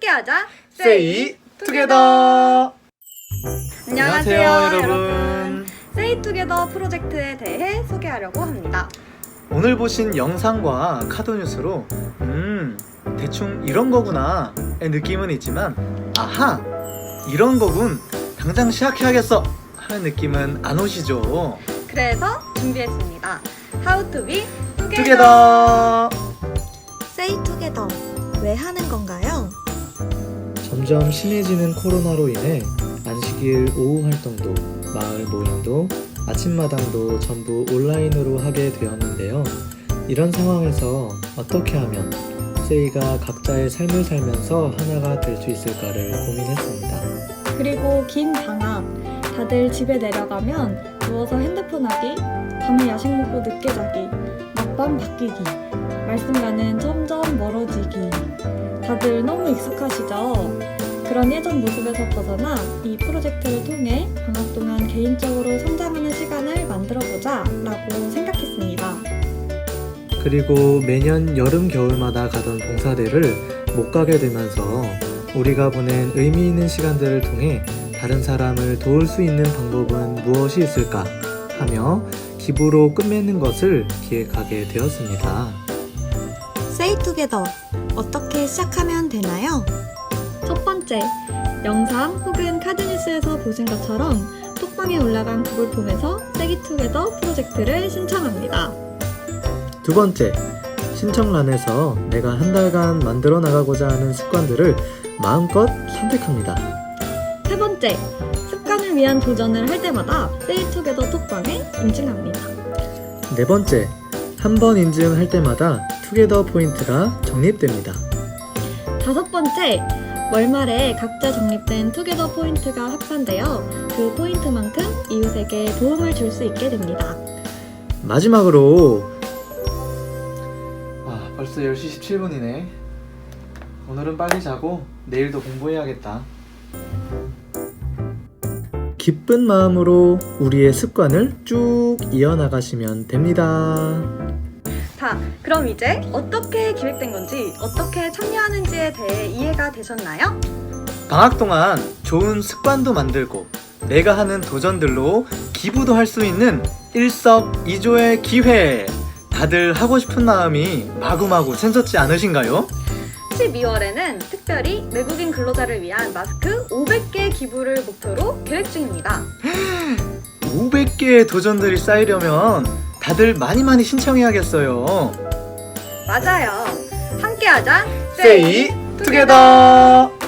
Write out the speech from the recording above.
함께하자. 세이 투게더. 안녕하세요 여러분. 세이 투게더 프로젝트에 대해 소개하려고 합니다. 오늘 보신 영상과 카드뉴스로 대충 이런 거구나 의 느낌은 있지만 아하 이런 거군 당장 시작해야겠어 하는 느낌은 안 오시죠? 그래서 준비했습니다. How to be 투게더. 세이 투게더 왜 하는 건가요? 점점 심해지는 코로나로 인해 안식일 오후 활동도, 마을 모임도, 아침마당도 전부 온라인으로 하게 되었는데요. 이런 상황에서 어떻게 하면 세이가 각자의 삶을 살면서 하나가 될 수 있을까를 고민했습니다. 그리고 긴 방학, 다들 집에 내려가면 누워서 핸드폰 하기, 밤에 야식 먹고 늦게 자기, 낮밤 바뀌기, 말씀과는 점점 멀어지기. 다들 너무 익숙하시죠? 그런 예전 모습에서 벗어나 이 프로젝트를 통해 방학 동안 개인적으로 성장하는 시간을 만들어보자 라고 생각했습니다. 그리고 매년 여름 겨울마다 가던 봉사대를 못 가게 되면서 우리가 보낸 의미 있는 시간들을 통해 다른 사람을 도울 수 있는 방법은 무엇이 있을까 하며 기부로 끝맺는 것을 기획하게 되었습니다. 세이 투게더 어떻게 시작하면 되나요? 첫 번째, 영상 혹은 카드뉴스에서 보신 것처럼 톡방에 올라간 구글 폼에서 세이 투게더 프로젝트를 신청합니다. 두 번째, 신청란에서 내가 한 달간 만들어 나가고자 하는 습관들을 마음껏 선택합니다. 세 번째, 습관을 위한 도전을 할 때마다 세이 투게더 톡방에 인증합니다. 네 번째, 한 번 인증할 때마다 투게더 포인트가 적립됩니다. 다섯 번째, 월말에 각자 적립된 투게더 포인트가 합산되어 그 포인트만큼 이웃에게 도움을 줄 수 있게 됩니다. 마지막으로 벌써 10시 17분이네. 오늘은 빨리 자고 내일도 공부해야겠다. 기쁜 마음으로 우리의 습관을 쭉 이어나가시면 됩니다. 자, 그럼 이제 어떻게 기획된 건지, 어떻게 참여하는지에 대해 이해가 되셨나요? 방학 동안 좋은 습관도 만들고 내가 하는 도전들로 기부도 할 수 있는 일석이조의 기회. 다들 하고 싶은 마음이 마구마구 샘솟지 않으신가요? 12월에는 특별히 외국인 근로자를 위한 마스크 500개 기부를 목표로 계획 중입니다. 500개의 도전들이 쌓이려면 다들 많이 신청해야겠어요. 맞아요. 함께하자. 세이 투게더.